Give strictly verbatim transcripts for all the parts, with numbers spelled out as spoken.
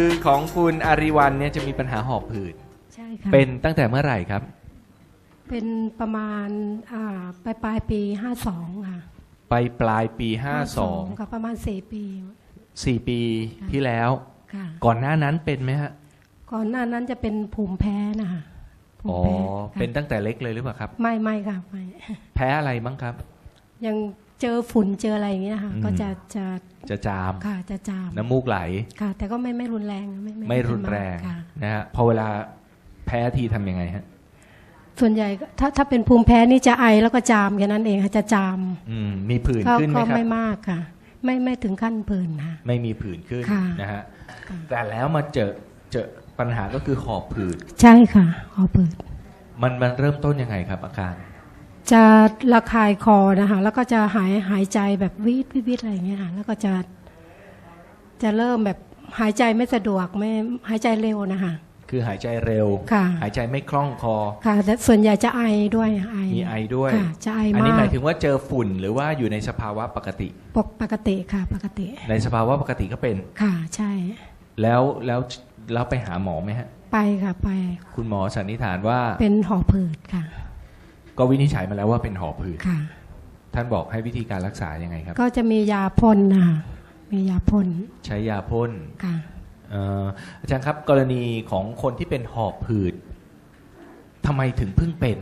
คือของคุณอาริวันเนี่ยจะมีปัญหาหอบหืดใช่ค่ะเป็นตั้งแต่เมื่อไหร่ครับเป็นประมาณอ่าปลายปลายปีห้าสองค่ะไปปลายปีห้าสองค่ะประมาณสี่ปีสี่ปีที่แล้วก่อนหน้านั้นเป็นไหมฮะก่อนหน้านั้นจะเป็นภูมิแพ้นะคะอ๋อเป็นตั้งแต่เล็กเลยหรือเปล่าครับไม่ไม่ค่ะไม่แพ้อะไรบ้างครับยังเจอฝุ่นเจออะไรอย่างเงี้ยค่ะก็จะจะจะจามค่ะจะจามน้ำมูกไหลค่ะแต่ก็ไม่ไม่รุนแรงไม่ไม่รุนแรงนะฮะพอเวลาแพ้ทีทำยังไงฮะส่วนใหญ่ถ้าถ้าเป็นภูมิแพ้นี่จะไอแล้วก็จามแค่นั้นเองค่ะจะจามมีผื่นขึ้นไหมครับก็ไม่มากค่ะไม่ไม่ถึงขั้นผื่นค่ะไม่มีผื่นขึ้นนะฮะแต่แล้วมาเจอเจอปัญหาก็คือหอบผืดใช่ค่ะหอบผืดมันมันเริ่มต้นยังไงครับอาการจะระคายคอนะคะแล้วก็จะหายหายใจแบบวิดวิดอะไรอย่างเงี้ยค่ะแล้วก็จะจะเริ่มแบบหายใจไม่สะดวกไม่หายใจเร็วนะคะคือหายใจเร็วหายใจไม่คล่องคอค่ะแต่ส่วนใหญ่จะไอด้วยไอมีไอด้วยจะไอมากอันนี้หมายถึงว่าเจอฝุ่นหรือว่าอยู่ในสภาวะปกติปกติค่ะปกติในสภาวะปกติก็เป็นค่ะใช่แล้วแล้วแล้วไปหาหมอไหมฮะไปค่ะไปคุณหมอสันนิษฐานว่าเป็นหอบผืดค่ะก็วินิจฉัยมาแล้วว่าเป็นหอบหืดค่ะท่านบอกให้วิธีการรักษายังไงครับก็จะมียาพ่นนะคะมียาพ่นใช้ยาพ่นค่ะอาจารย์ครับกรณีของคนที่เป็นหอบหืดทำไมถึงเพิ่งเป็น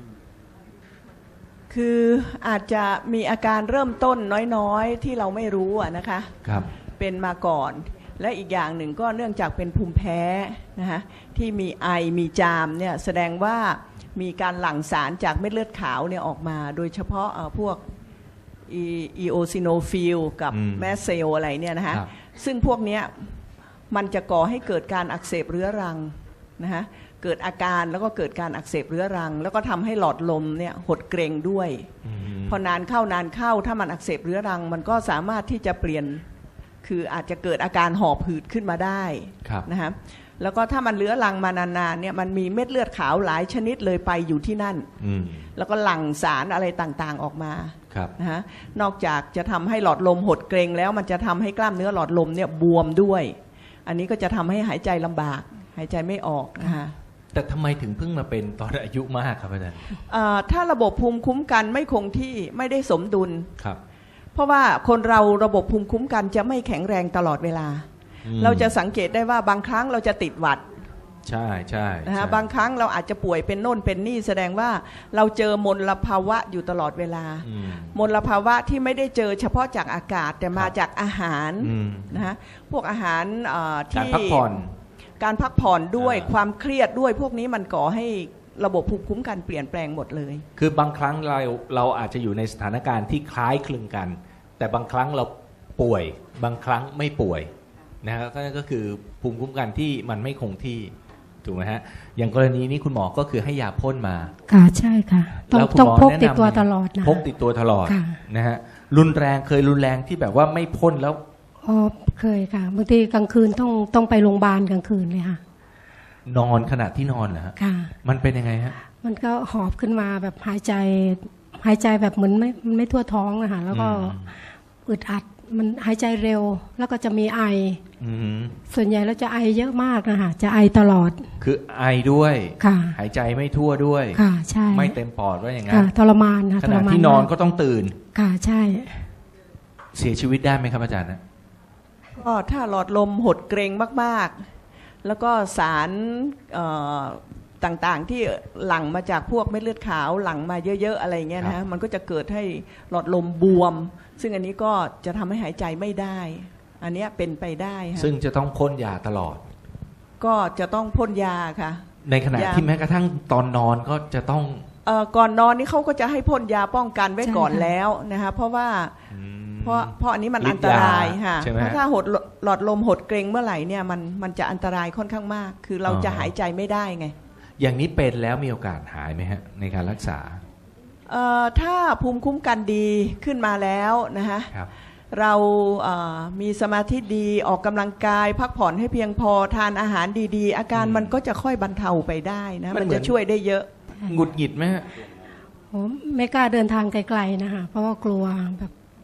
คืออาจจะมีอาการเริ่มต้นน้อยๆที่เราไม่รู้อะนะคะครับเป็นมาก่อนและอีกอย่างหนึ่งก็เนื่องจากเป็นภูมิแพ้นะคะที่มีไอมีจามเนี่ยแสดงว่ามีการหลั่งสารจากเม็ดเลือดขาวเนี่ยออกมาโดยเฉพาะพวกอีโอซิโนฟิลกับแมสเซลอะไรเนี่ยนะคะซึ่งพวกเนี้ยมันจะก่อให้เกิดการอักเสบเรื้อรังนะคะเกิดอาการแล้วก็เกิดการอักเสบเรื้อรังแล้วก็ทำให้หลอดลมเนี่ยหดเกร็งด้วยพอนานเข้านานเข้าถ้ามันอักเสบเรื้อรังมันก็สามารถที่จะเปลี่ยนคืออาจจะเกิดอาการหอบหืดขึ้นมาได้นะคะแล้วก็ถ้ามันเรื้อรังมานานๆเนี่ยมันมีเม็ดเลือดขาวหลายชนิดเลยไปอยู่ที่นั่นแล้วก็หลั่งสารอะไรต่างๆออกมานะฮะนอกจากจะทำให้หลอดลมหดเกร็งแล้วมันจะทำให้กล้ามเนื้อหลอดลมเนี่ยบวมด้วยอันนี้ก็จะทำให้หายใจลำบากหายใจไม่ออกนะคะแต่ทำไมถึงเพิ่งมาเป็นตอนอายุมากครับอาจารย์ถ้าระบบภูมิคุ้มกันไม่คงที่ไม่ได้สมดุลครับเพราะว่าคนเราระบบภูมิคุ้มกันจะไม่แข็งแรงตลอดเวลาเราจะสังเกตได้ว่าบางครั้งเราจะติดหวัดใช่ใช่นะฮะบางครั้งเราอาจจะป่วยเป็นโน่นเป็นนี่แสดงว่าเราเจอมลภาวะอยู่ตลอดเวลามลภาวะที่ไม่ได้เจอเฉพาะจากอากาศแต่มาจากอาหารนะฮะพวกอาหารที่การพักผ่อนการพักผ่อนด้วยความเครียดด้วยพวกนี้มันก่อให้ระบบภูมิคุ้มกันเปลี่ยนแปลงหมดเลยคือบางครั้งเราเราอาจจะอยู่ในสถานการณ์ที่คล้ายคลึงกันแต่บางครั้งเราป่วยบางครั้งไม่ป่วยนะครับก็คือภูมิคุ้มกันที่มันไม่คงที่ถูกไหมฮะอย่างกรณีนี้คุณหมอก็คือให้ยาพ่นมาค่ะใช่ค่ะต้องต้องพกติดตัวตลอดนะพกติดตัวตลอดนะฮะรุนแรงเคยรุนแรงที่แบบว่าไม่พ่นแล้วอ๋อเคยค่ะบางทีกลางคืนต้องต้องไปโรงพยาบาลกลางคืนเลยค่ะนอนขณะที่นอนเหรอฮะค่ะมันเป็นยังไงฮะมันก็หอบขึ้นมาแบบหายใจหายใจแบบเหมือนไม่ไม่ทั่วท้องอะค่ะแล้วก็อึดอัดมันหายใจเร็วแล้วก็จะมีไอส่วนใหญ่แล้วจะไอเยอะมากนะคะจะไอตลอดคือไอด้วยค่ะหายใจไม่ทั่วด้วยค่ะใช่ไม่เต็มปอดว่าอย่างงั้นทรมานค่ะขณะที่นอนก็ต้องตื่นค่ะใช่เสียชีวิตได้ไหมครับอาจารย์นะก็ถ้าหลอดลมหดเกร็งมากๆแล้วก็สารต่างๆที่หลั่งมาจากพวกเม็ดเลือดขาวหลั่งมาเยอะๆอะไรเงี้ยนะมันก็จะเกิดให้หลอดลมบวมซึ่งอันนี้ก็จะทำให้หายใจไม่ได้อันนี้เป็นไปได้ค่ะซึ่งจะต้องพ่นยาตลอดก็จะต้องพ่นยาค่ะในขณะที่แม้กระทั่งตอนนอนก็จะต้องเอ่อก่อนนอนนี่เขาก็จะให้พ่นยาป้องกันไว้ก่อนแล้วนะคะเพราะว่าเพราะเพราะอันนี้มันอันตรายค่ะเพราะถ้าหดหลอดลมหดเกร็งเมื่อไหร่เนี่ยมันมันจะอันตรายค่อนข้างมากคือเราจะหายใจไม่ได้ไงอย่างนี้เป็นแล้วมีโอกาสหายไหมฮะในการรักษาเอ่อถ้าภูมิคุ้มกันดีขึ้นมาแล้วนะฮะเราเอ่อมีสมาธิดีออกกำลังกายพักผ่อนให้เพียงพอทานอาหารดีๆอาการมันก็จะค่อยบรรเทาไปได้นะมันจะช่วยได้เยอะหงุดหงิดไหมฮะผมไม่กล้าเดินทางไกลๆนะคะเพราะว่ากลัวแบบ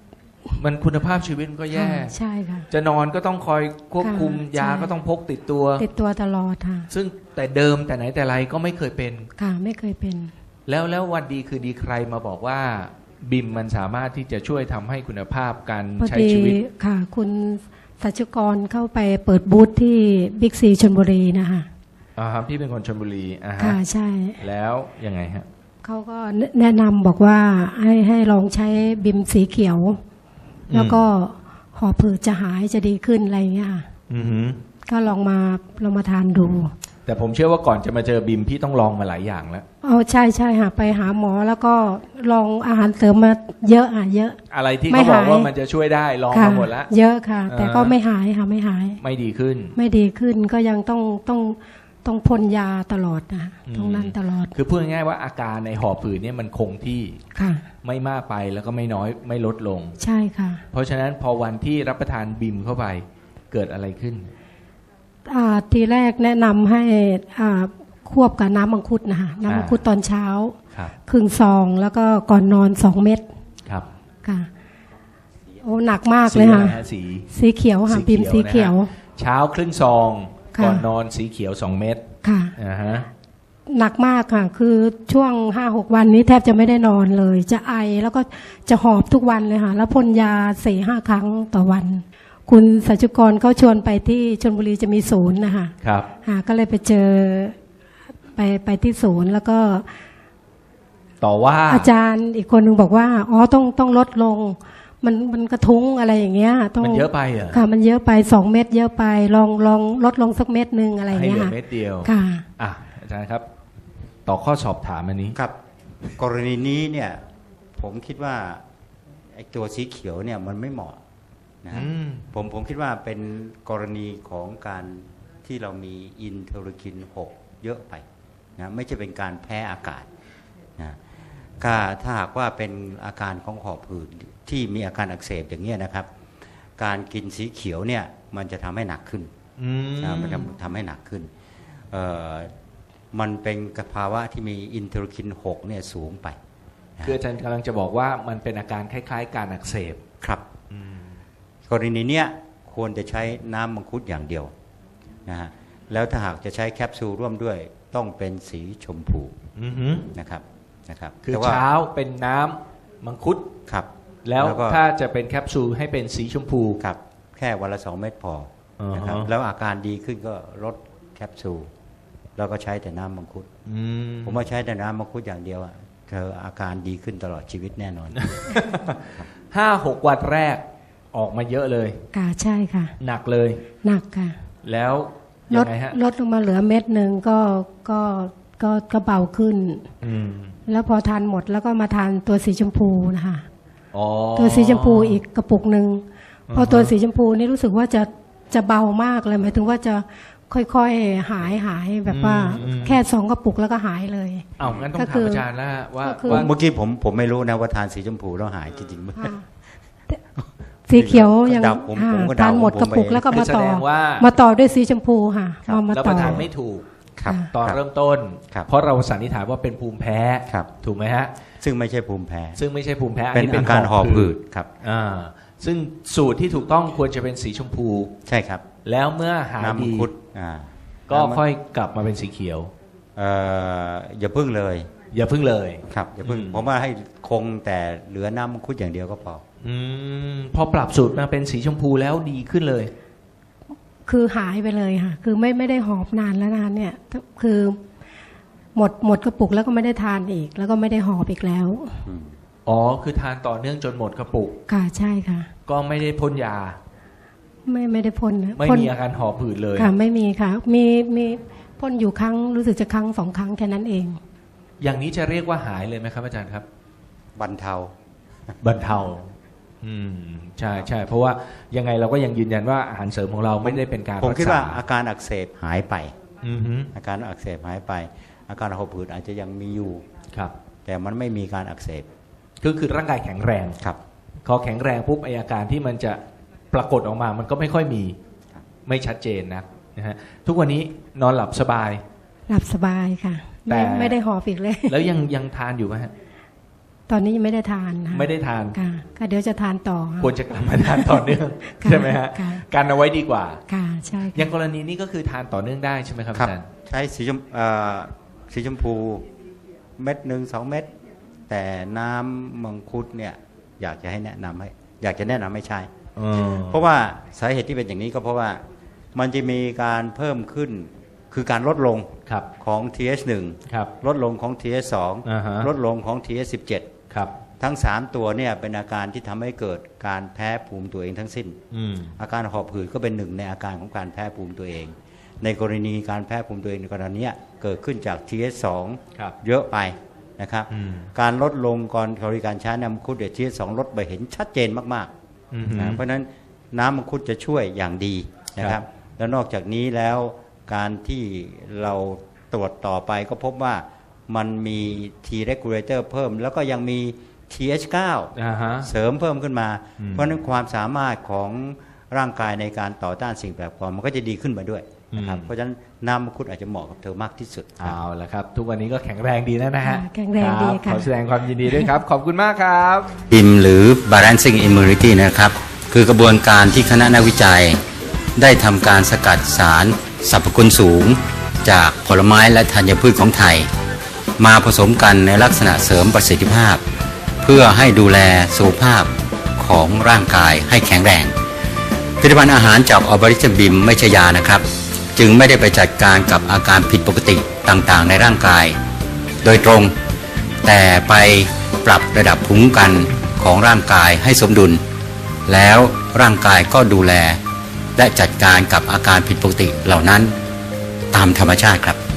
มันคุณภาพชีวิตมันก็แย่ค่ะใช่ค่ะจะนอนก็ต้องคอยควบคุมค่ะยาใช่ก็ต้องพกติดตัวติดตัวตลอดค่ะซึ่งแต่เดิมแต่ไหนแต่ไรก็ไม่เคยเป็นค่ะไม่เคยเป็นแล้วแล้ววันดีคือดีใครมาบอกว่าบิมมันสามารถที่จะช่วยทำให้คุณภาพการพอใช้ดีชีวิตค่ะ คุณสัชกรเข้าไปเปิดบูธที่บิ๊กซีชลบุรีนะคะอ่าครับพี่เป็นคนชลบุรีอ่าฮะค่ะใช่แล้วยังไงฮะเขาก็แนะนำบอกว่าให้ให้ลองใช้บิมสีเขียว แล้วก็หอบผืดจะหายจะดีขึ้นอะไรอย่างเงี้ยค่ะอือหือก็ลองมาลองมาทานดูแต่ผมเชื่อว่าก่อนจะมาเจอบิมพี่ต้องลองมาหลายอย่างแล้วเอาใช่ใช่ค่ะไปหาหมอแล้วก็ลองอาหารเสริมมาเยอะอ่ะเยอะอะไรที่ไม่เขาบอกหายว่ามันจะช่วยได้ลองค่ะมาหมดแล้วเยอะค่ะ แต่ก็อ่าไม่หายค่ะไม่หายไม่ดีขึ้นไม่ดีขึ้นก็ยังต้องต้องต้องพ่นยาตลอดนะอืมต้องนั่นตลอดคือพูดง่ายๆว่าอาการในหอบผืดเนี่ยมันคงที่ค่ะไม่มากไปแล้วก็ไม่น้อยไม่ลดลงใช่ค่ะเพราะฉะนั้นพอวันที่รับประทานบิมเข้าไปเกิดอะไรขึ้นอ่าทีแรกแนะนำให้อ่าควบกับน้ำมังคุดนะคะน้ำมังคุดตอนเช้าครับครึ่งซองแล้วก็ก่อนนอนสองเม็ดครับค่ะโอ้หนักมากสีเลยอะไรค่ะฮะสีสีเขียวค่ะสีพิมพ์สีเขีเขียยว วนะฮะ เช้าครึ่งซองค่ะก่อนนอนสีเขียวสองเม็ดค่ะอ่าฮะหนักมากค่ะ คือช่วงห้าหกวันนี้แทบจะไม่ได้นอนเลย จะไอแล้วก็จะหอบทุกวันเลยค่ะ แล้วพ่นยาสี่ห้าครั้งต่อวัน คุณสัจจุกรเขาชวนไปที่ชลบุรีจะมีศูนย์นะคะครับค่ะก็เลยไปเจอไปไปที่ศูนย์แล้วก็ต่อว่าอาจารย์อีกคนหนึ่งบอกว่าอ๋อต้องต้องลดลง มันมันกระทุ้งอะไรอย่างเงี้ยต้องมันเยอะไปเหรอค่ะ มันเยอะไปสองเม็ดเยอะไปลองลองลดลงสักเม็ดหนึ่งอะไรอย่างให้เงี้เหยลือค่ะเม็ดเดียวค่ะอ่ะอาจารย์ครับ ต่อข้อสอบถามอันนี้ครับกรณีนี้เนี่ยผมคิดว่าไอ้ตัวสีเขียวเนี่ยมันไม่เหมาะนะฮะอืมผมผมคิดว่าเป็นกรณีของการที่เรามีอินเทอร์คินหกเยอะไปนะไม่ใช่เป็นการแพ้อากาศนะถ้าถ้าหากว่าเป็นอาการของหอบหืดที่มีอาการอักเสบอย่างเงี้ยนะครับ การกินสีเขียวเนี่ยมันจะทำให้หนักขึ้นอืมนะมันจะทำให้หนักขึ้นเอ่อมันเป็นภาวะที่มีอินเทอร์คินหกเนี่ยสูงไปนะคืออาจารย์กำลังจะบอกว่ามันเป็นอาการคล้ายๆ การอักเสบครับอืมกรณีเนี้ยควรจะใช้น้ำมังคุดอย่างเดียวนะฮะแล้วถ้าหากจะใช้แคปซูลร่วมด้วยต้องเป็นสีชมพูอือหือนะครับนะครับคือแต่ว่าเช้าเป็นน้ำมังคุดครับแล้วก็ถ้าจะเป็นแคปซูลให้เป็นสีชมพูครับแค่วันละสองเม็ดพอนะครับอ่าฮะแล้วอาการดีขึ้นก็ลดแคปซูลแล้วก็ใช้แต่น้ำมังคุดอืมผมว่าใช้แต่น้ำมังคุดอย่างเดียวอะเธออาการดีขึ้นตลอดชีวิตแน่นอนห้าหกวันแรกออกมาเยอะเลยค่ะใช่ค่ะหนักเลยหนักค่ะแล้วลยัดงไงฮะลดลงมาเหลือเม็ดหนึ่งก็ก็ก็ก็เบาขึ้นอืมแล้วพอทานหมดแล้วก็มาทานตัวสีชมพูนะคะอ๋อตัวสีชมพูอีกกระปุกหนึ่งอ่าฮะพอตัวสีชมพูนี่รู้สึกว่าจะจะเบามากเลยหมายถึงว่าจะค่อยๆหายหายแบบว่าแค่สองกระปุกแล้วก็หายเลยเอางั้นต้องก็ถาคืมออาจารย์แล้วฮะว่าก็คือว่าเมื่อกี้ผมผมไม่รู้นะว่าทานสีชมพูแล้วหายจริงๆไหมค่ะสีเขียวยังเดาผมอ่าผมก็เดาทานหมดผมกระปุกเองแล้วก็มาแสต่อดงว่ามาต่อด้วยสีชมพูค่ะครับมามารับปต่อระทานไม่ถูกครับตอนครับเริ่มต้นครับเพราะเราสันนิษฐานว่าเป็นภูมิแพ้ครับถูกไหมฮะซึ่งไม่ใช่ภูมิแพ้ซึ่งไม่ใช่ภูมิแพ้เป็นอาการหอบหืดครับอ่าซึ่งสูตรที่ถูกต้องควรจะเป็นสีชมพูใช่ครับแล้วเมื่อหายน้ำมัดีงคุดอ่าก็น้ำมังค่อยกลับมาเป็นสีเขียวเอ่ออย่าพึ่งเลยอย่าพึ่งเลยครับอย่าพึ่งอืมผมว่าให้คงแต่เหลือน้ำมังคุดอย่างเดียวก็พออืมพอปรับสูตรมาเป็นสีชมพูแล้วดีขึ้นเลยคือหายไปเลยค่ะ คือไม่ไม่ได้หอบนานแล้วนานเนี่ย คือหมดหมดกระปุกแล้วก็ไม่ได้ทานอีก แล้วก็ไม่ได้หอบอีกแล้วอืมอ๋อคือทานต่อเนื่องจนหมดกระปุกค่ะใช่ค่ะก็ไม่ได้พ่นยาไม่ไม่ได้พ่นนะไม่พ่นมีอาการหอบหืดเลยค่ะไม่มีค่ะ มีมีพ่นอยู่ครั้งรู้สึกจะครั้งสองครั้งแค่นั้นเองอย่างนี้จะเรียกว่าหายเลยไหมครับอาจารย์ครับบรรเทาบรรเทา อืมใช่ใช่เพราะว่ายังไงเราก็ยังยืนยันว่าอาหารเสริมของเราไม่ได้เป็นการผมรักคิดษาว่าอาการอักเสบหายไปอือฮึอาการอักเสบหายไป อาการหอบหืดอาจจะยังมีอยู่ครับแต่มันไม่มีการอักเสบก็คือร่างกายแข็งแรงครับพอแข็งแรงปุ๊บไออาการที่มันจะปรากฏออกมามันก็ไม่ค่อยมีครับไม่ชัดเจนนะนะฮะทุกวันนี้นอนหลับสบายหลับสบายค่ะแต่ไม่ไม่ได้หอบอีกเลยแล้วยังยังทานอยู่ไหมฮะตอนนี้ยังไม่ได้ทานค่ะไม่ได้ทานค่ะก็เดี๋ยวจะทานต่อค่ะควรจะกลับมาทานต่อเนื่องค่ะใช่ไหมฮะค่ะการเอาไว้ดีกว่าค่ะใช่อค่ะย่างกรณีนี้ก็คือทานต่อเนื่องได้ใช่ไหมครับครับอาจารย์ใช้สีชมเอ่อสีชมพูเม็ดหนึ่งสองเม็ดแต่น้ำมังคุดเนี่ยอยากจะให้แนะนำให้อยากจะแนะนำให้ใช้อ๋อเพราะว่าสาเหตุที่เป็นอย่างนี้ก็เพราะว่ามันจะมีการเพิ่มขึ้นคือการลดลงครับของ ที เอช หนึ่งครับลดลงของ ที เอช สองอ่าฮะลดลงของ ที เอช สิบเจ็ดครับทั้งสามตัวเนี่ยเป็นอาการที่ทำให้เกิดการแพ้ภูมิตัวเองทั้งสิ้นอืมอาการหอบหืดก็เป็นหนึ่งในอาการของการแพ้ภูมิตัวเอง ในกรณีการแพ้ภูมิตัวเองในกรณีเนี้ยเกิดขึ้นจาก ที เอช สองครับเยอะไปนะครับอืมการลดลงก่อนบริการใช้น้ำมังคุดเดช ที เอช สองลดไปเห็นชัดเจนมากอืมๆนะเพราะฉะนั้นน้ำมังคุดจะช่วยอย่างดีนะคครัรับบ แล้วนอกจากนี้แล้วการที่เราตรวจต่อไปก็พบว่ามันมี T regulator เพิ่ม แล้วก็ยังมี ที เอช เก้าอ่าฮะเสริมเพิ่มขึ้นมาอืมเพราะฉะนั้นความสามารถของร่างกายในการต่อต้านสิ่งแปลกปลอมมันก็จะดีขึ้นมาด้วยนะครับอืมเพราะฉะนั้นน้ำมังคุดอาจจะเหมาะกับเธอมากที่สุดครับเอาละครับ ทุกวันนี้ก็แข็งแรงดีแล้วนะฮะค่ะแข็งแรงดีบค่ะขอแสดงความยินดีด้วยครับ ขอบคุณมากครับบิมหรือ balancing immunity นะครับคือกระบวนการที่คณะนักวิจัย ได้ทำการสกัดสารสรรพคุณสูง จากผลไม้และธัญพืชของไทย มาผสมกันในลักษณะเสริมประสิทธิภาพ เพื่อให้ดูแลสุขภาพของร่างกายให้แข็งแรงผลิตภัณฑ์อาหารจากออบริชบิมไม่ใช่ยานะครับ จึงไม่ได้ไปจัดการกับอาการผิดปกติต่างๆ ในร่างกาย โดยตรง แต่ไปปรับระดับภูมิคุ้มกันของร่างกายให้สมดุล แล้วร่างกายก็ดูแล และจัดการกับอาการผิดปกติเหล่านั้นตามธรรมชาติครับ